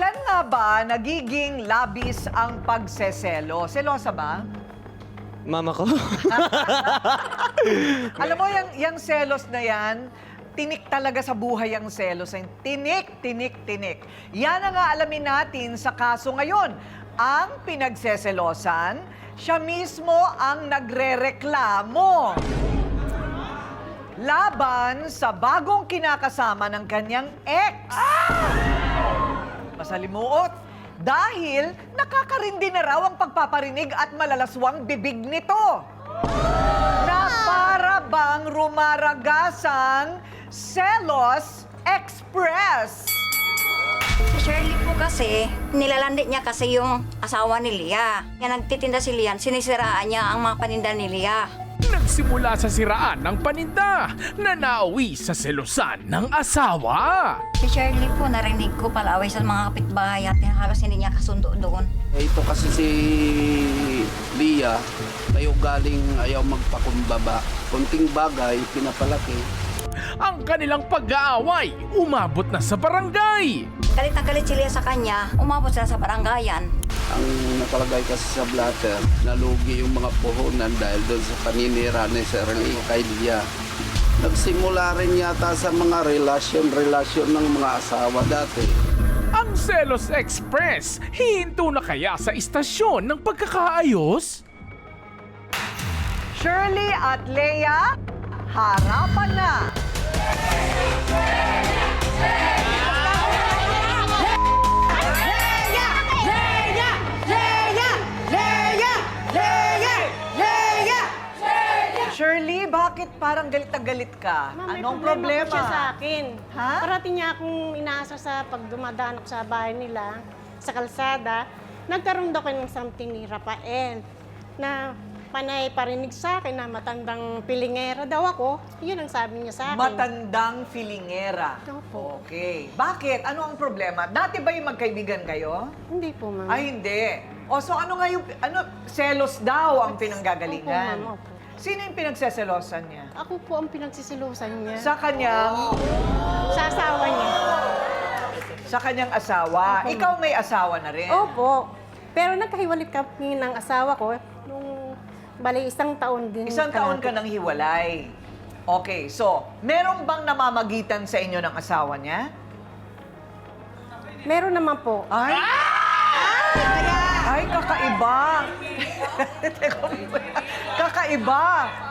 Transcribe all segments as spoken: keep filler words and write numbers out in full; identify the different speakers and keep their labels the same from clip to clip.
Speaker 1: Kailan nga ba nagiging labis ang pagseselo? Selosa ba?
Speaker 2: Mama ko.
Speaker 1: Alam mo, yung, yung selos na yan, tinik talaga sa buhay ang selos. Tinik, tinik, tinik. Yan ang nga alamin natin sa kaso ngayon. Ang pinagseselosan, siya mismo ang nagrereklamo laban sa bagong kinakasama ng kanyang ex. Masalimuot. Dahil nakakarindi na raw ang pagpaparinig at malalaswang bibig nito. Na para bang rumaragasang Selos Express.
Speaker 3: Shirley po kasi, nilalandi niya kasi yung asawa ni Lia. Kaya nagtitinda si Lian, sinisiraan niya ang mga paninda ni Lia.
Speaker 4: Nagsimula sa siraan ng paninda na nauwi sa selusan ng asawa.
Speaker 3: Si Shirley po, narinig ko palaway sa mga kapitbahay at halos hindi niya kasundo doon.
Speaker 5: Ito kasi si Lia, may ugaling ayaw magpakumbaba. Kunting bagay, pinapalaki.
Speaker 4: Ang kanilang pag-aaway umabot na sa barangay.
Speaker 3: Galit na galit si Lia sa kanya, umabot sila sa barangayan.
Speaker 5: Ang nakalagay kasi sa blatter, nalugi yung mga puhunan dahil doon sa paninira ni Shirley kay Lia. Nagsimula rin yata sa mga relasyon-relasyon ng mga asawa dati.
Speaker 4: Ang Selos Express, hihinto na kaya sa istasyon ng pagkakaayos?
Speaker 1: Shirley at Leia, harapan na! Shirley, bakit parang galit na galit ka?
Speaker 6: Ma'am, may
Speaker 1: Anong
Speaker 6: problema
Speaker 1: problema?
Speaker 6: po siya sa akin.
Speaker 1: Ha?
Speaker 6: Parating niya akong inaasa sa pagdumadaan ako sa bahay nila, sa kalsada. Nagkaroon daw ko ng something ni Rafael na panay parinig sa akin na matandang pilingera daw ako. Yun ang sabi niya sa akin.
Speaker 1: Matandang filingera.
Speaker 6: Opo.
Speaker 1: Okay. Bakit? Ano ang problema? Dati ba yung magkaibigan kayo?
Speaker 6: Hindi po, ma'am.
Speaker 1: Ay, hindi. O, so ano nga yung, ano, selos daw ang
Speaker 6: Opo,
Speaker 1: pinanggagalingan?
Speaker 6: ma'am, opo.
Speaker 1: Sino yung pinagseselosan niya?
Speaker 6: Ako po ang pinagsisilusan niya.
Speaker 1: Sa kanyang,
Speaker 6: Sa asawa niya.
Speaker 1: sa kanyang asawa.
Speaker 6: Opo,
Speaker 1: Ikaw may asawa na rin.
Speaker 6: Opo. Pero nagkahiwalay kami ng asawa ko nung bali isang taon din.
Speaker 1: Isang taon ka
Speaker 6: kalahati.
Speaker 1: nang hiwalay. Okay, so, meron bang namamagitan sa inyo ng asawa niya?
Speaker 6: Meron naman po.
Speaker 1: Ay! Ay, kakaiba! Teka muna. kakaiba!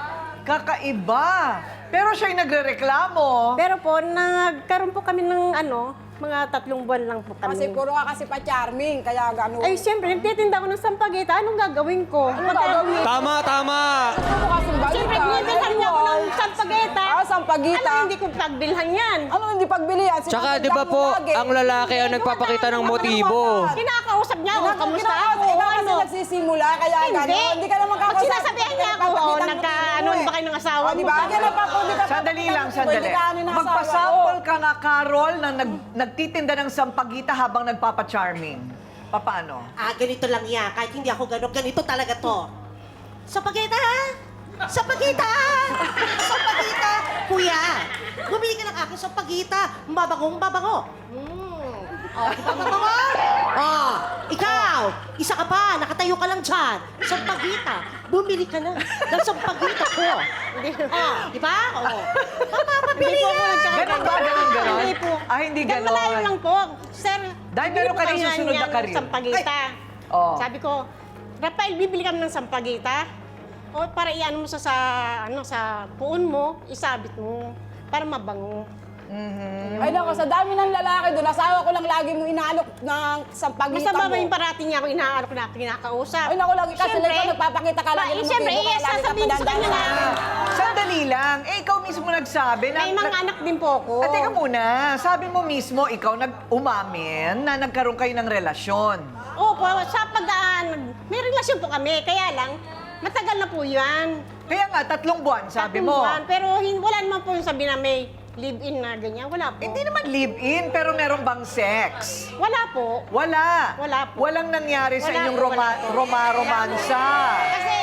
Speaker 1: Kakaiba! Pero siya'y nagrereklamo.
Speaker 6: Pero po, nagkaroon po kami ng ano, mga tatlong buwan lang po kami.
Speaker 7: Kasi puro ka kasi pa-charming, kaya gano'n.
Speaker 6: Ay, siyempre, nagtitinda ko ng sampagita. Anong gagawin ko?
Speaker 7: Ano gagawin?
Speaker 2: Tama, tama.
Speaker 7: Puro ka simbalita.
Speaker 6: Siyempre, binibilhan niya ako ng sampagita.
Speaker 7: Ah, sampagita.
Speaker 6: Ano, hindi ko pagbilhan yan.
Speaker 7: Ano hindi pagbili yan?
Speaker 2: Tsaka di ba po, ang lalaki ang nagpapakita ng motibo.
Speaker 6: Kinakausap niya ako, kamusta ako,
Speaker 7: Ikaw kasi
Speaker 6: ano.
Speaker 7: nagsisimula, kaya
Speaker 6: Hindi.
Speaker 7: gano'n. Hindi ka naman
Speaker 6: Pag
Speaker 7: kakasabi.
Speaker 6: sinasabihan niya ako, oh, nagka-ano ba kayo ng asawa
Speaker 7: O,
Speaker 6: mo?
Speaker 7: di ba? Kaya napapuli ka.
Speaker 1: Sandali lang,
Speaker 7: Pwede
Speaker 1: sandali.
Speaker 7: ka ano ng asawa
Speaker 1: Magpasample
Speaker 7: ko.
Speaker 1: ka nga, Carol, na nag, nagtitinda ng sampagita habang nagpapa-charming. Paano?
Speaker 8: Ah, ganito lang yan. Kahit hindi ako gano'n, ganito talaga to. Sapagita! Sapagita! Sapagita! Kuya, bumili ka ng aking sapagita. Mababangong babango. Mm. Oh, babango? Oh, ikaw, isa ka pa, nakatayo ka lang dyan. Sampagita, bumili ka na ng sampagita ko. Oh, di ba? Oh. Mamamabili
Speaker 6: Hindi po ako
Speaker 8: yan.
Speaker 6: nagkakaroon.
Speaker 1: Ganon ba? Ganon, ganon?
Speaker 6: Hindi po.
Speaker 1: Ah, hindi
Speaker 6: Dahil
Speaker 1: ganon.
Speaker 6: malayo lang po. Sir,
Speaker 1: Dahil
Speaker 6: bibili
Speaker 1: meron
Speaker 6: po
Speaker 1: ka ng
Speaker 6: kami
Speaker 1: susunod na
Speaker 6: yan,
Speaker 1: karir.
Speaker 6: Sampagita.
Speaker 1: Oh.
Speaker 6: Sabi ko, Rafael, bibili kami ng sampagita. O para iano mo sa, sa, ano, sa puon mo, isabit mo. Para mabango.
Speaker 7: Ay nako, sa dami ng lalaki doon, asawa ko lang lagi mo inaalok ng sampagita
Speaker 6: Masama
Speaker 7: mo.
Speaker 6: ba yung parating niya ako inaarap na kinakausap?
Speaker 7: Ay naku, lagi kasi
Speaker 6: Siyempre,
Speaker 7: ikaw nagpapakita ka lang.
Speaker 6: ba, eh, siyempre, eh, sasabihin ko sa kanya na,
Speaker 1: Sandali lang. Eh, ikaw mismo nagsabi na...
Speaker 6: may mga
Speaker 1: na-
Speaker 6: anak din po ako.
Speaker 1: Ah, teka muna. Sabi mo mismo, ikaw nag-umamin na nagkaroon kayo ng relasyon.
Speaker 6: Opo, sa pagdaan, may relasyon po kami, kaya lang, matagal na po yan.
Speaker 1: Kaya nga, tatlong buwan, sabi
Speaker 6: Tatlong
Speaker 1: mo.
Speaker 6: buwan, pero hin- wala naman po yung sabi na may live-in na ganyan. Wala po.
Speaker 1: Hindi naman live-in, pero meron bang sex?
Speaker 6: Wala po.
Speaker 1: Wala.
Speaker 6: Wala po.
Speaker 1: Walang nangyari sa
Speaker 6: Wala
Speaker 1: inyong
Speaker 6: po,
Speaker 1: roma,
Speaker 6: wala po.
Speaker 1: roma-romansa.
Speaker 6: Kasi